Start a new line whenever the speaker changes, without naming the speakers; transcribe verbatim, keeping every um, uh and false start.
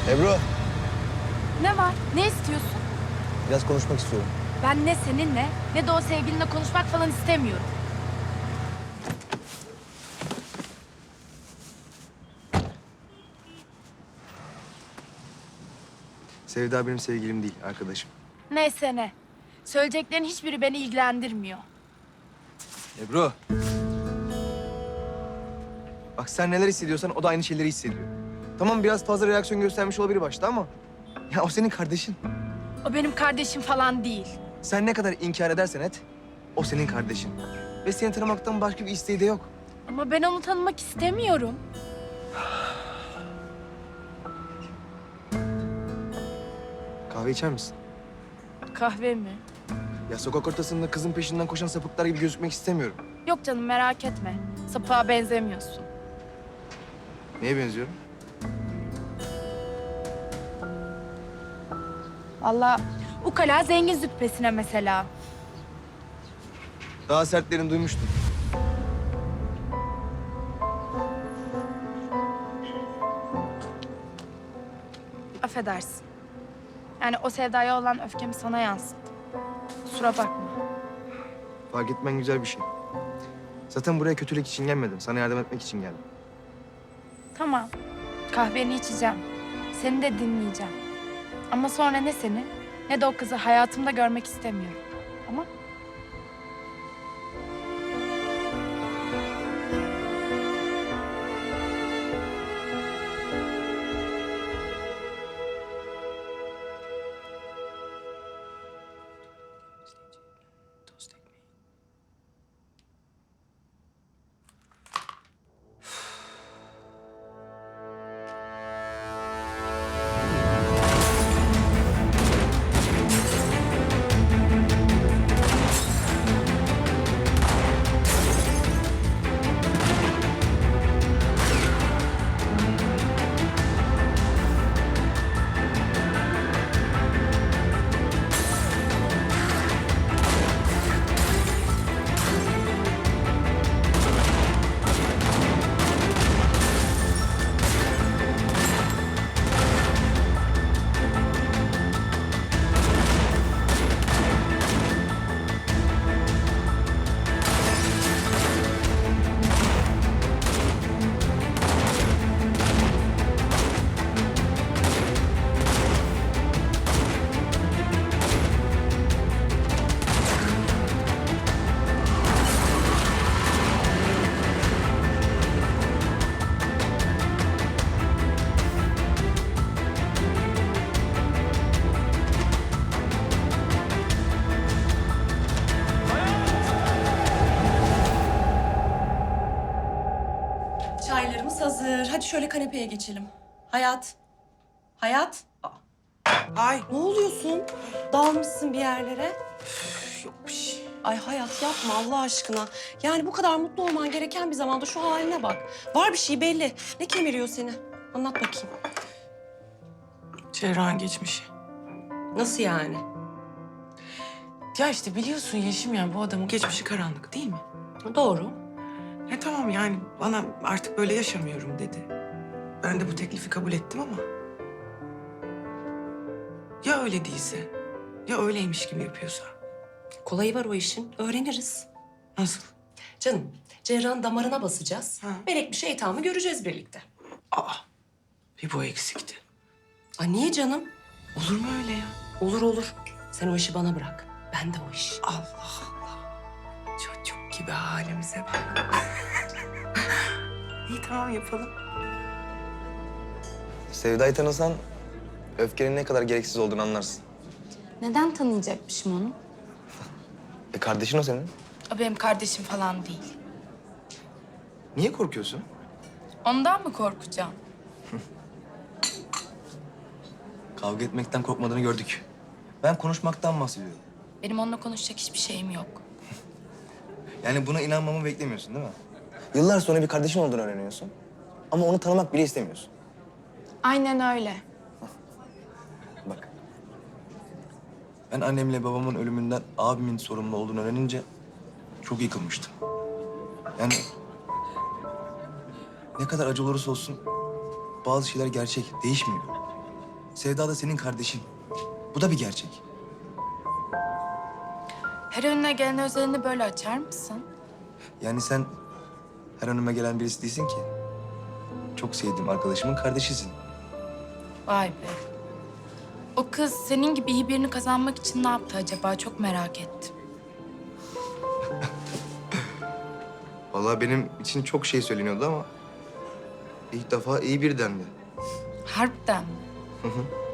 Ebru,
Ne var? Ne istiyorsun?
biraz konuşmak istiyorum.
Ben ne seninle ne de o sevgilinle konuşmak falan istemiyorum.
Sevda benim sevgilim değil, arkadaşım.
Neyse ne. Söyleyeceklerin hiçbiri beni ilgilendirmiyor.
Ebru. Bak sen neler hissediyorsan o da aynı şeyleri hissediyor. Tamam biraz fazla reaksiyon göstermiş olabilir başta ama... ...ya o senin kardeşin.
O benim kardeşim falan değil.
Sen ne kadar inkar edersen et, o senin kardeşin. Ve seni tanımaktan başka bir isteği de yok.
Ama ben onu tanımak istemiyorum.
Kahve içer misin?
Kahve mi?
Ya sokak ortasında kızın peşinden koşan sapıklar gibi gözükmek istemiyorum.
Yok canım merak etme. Sapığa benzemiyorsun.
Neye benziyorum?
Vallahi ukala zengin züppesine mesela.
Daha sertlerini duymuştum.
Affedersin. Yani o sevdaya olan öfkemi sana yansıttım. Kusura bakma.
Fark etmen güzel bir şey. Zaten buraya kötülük için gelmedim. Sana yardım etmek için geldim.
Tamam. Kahveni içeceğim. Seni de dinleyeceğim. Ama sonra ne seni ne de o kızı hayatımda görmek istemiyorum. Ama
Çaylarımız hazır. Hadi şöyle kanepeye geçelim. Hayat. Hayat. Aa,
Ay
ne oluyorsun? Dalmışsın bir yerlere.
yok bir şey.
Ay Hayat yapma Allah aşkına. Yani bu kadar mutlu olman gereken bir zamanda şu haline bak. Var bir şey belli. Ne kemiriyor seni? Anlat bakayım.
Cerrahın geçmişi.
Nasıl yani?
Ya işte biliyorsun Yeşim yani bu adamın geçmişi karanlık değil mi?
Doğru.
E tamam yani bana artık böyle yaşamıyorum dedi. Ben de bu teklifi kabul ettim ama... Ya öyle değilse? Ya öyleymiş gibi yapıyorsa?
Kolayı var o işin. Öğreniriz.
Nasıl?
Canım, cerrahın damarına basacağız.
Ha.
Melek bir şeytanı göreceğiz birlikte.
Aa bir bu eksikti.
Ay niye canım?
Olur mu öyle ya?
Olur olur. Sen o işi bana bırak. Ben de o iş.
Allah Allah. Çocuk gibi halimize bak. İyi tamam yapalım.
Sevda'yı tanısan öfkenin ne kadar gereksiz olduğunu anlarsın.
neden tanıyacakmışım onu?
E kardeşin o senin.
O benim kardeşim falan değil.
Niye korkuyorsun?
Ondan mı korkacağım?
Kavga etmekten korkmadığını gördük. Ben konuşmaktan bahsediyorum.
Benim onunla konuşacak hiçbir şeyim yok.
Yani buna inanmamı beklemiyorsun değil mi? Yıllar sonra bir kardeşin olduğunu öğreniyorsun. Ama onu tanımak bile istemiyorsun.
Aynen öyle.
Bak. Ben annemle babamın ölümünden abimin sorumlu olduğunu öğrenince çok yıkılmıştım. Yani ne kadar acı olursa olsun bazı şeyler gerçek, değişmiyor. Sevda da senin kardeşin. Bu da bir gerçek.
Her önüne gelen özelini böyle açar mısın?
Yani sen her önüme gelen birisi değilsin ki. Çok sevdiğim arkadaşımın kardeşisin.
Vay be. O kız senin gibi iyi birini kazanmak için ne yaptı acaba? Çok merak ettim.
Vallahi benim için çok şey söyleniyordu ama ilk defa iyi bir dendi.
Harbiden mi?
Hı hı.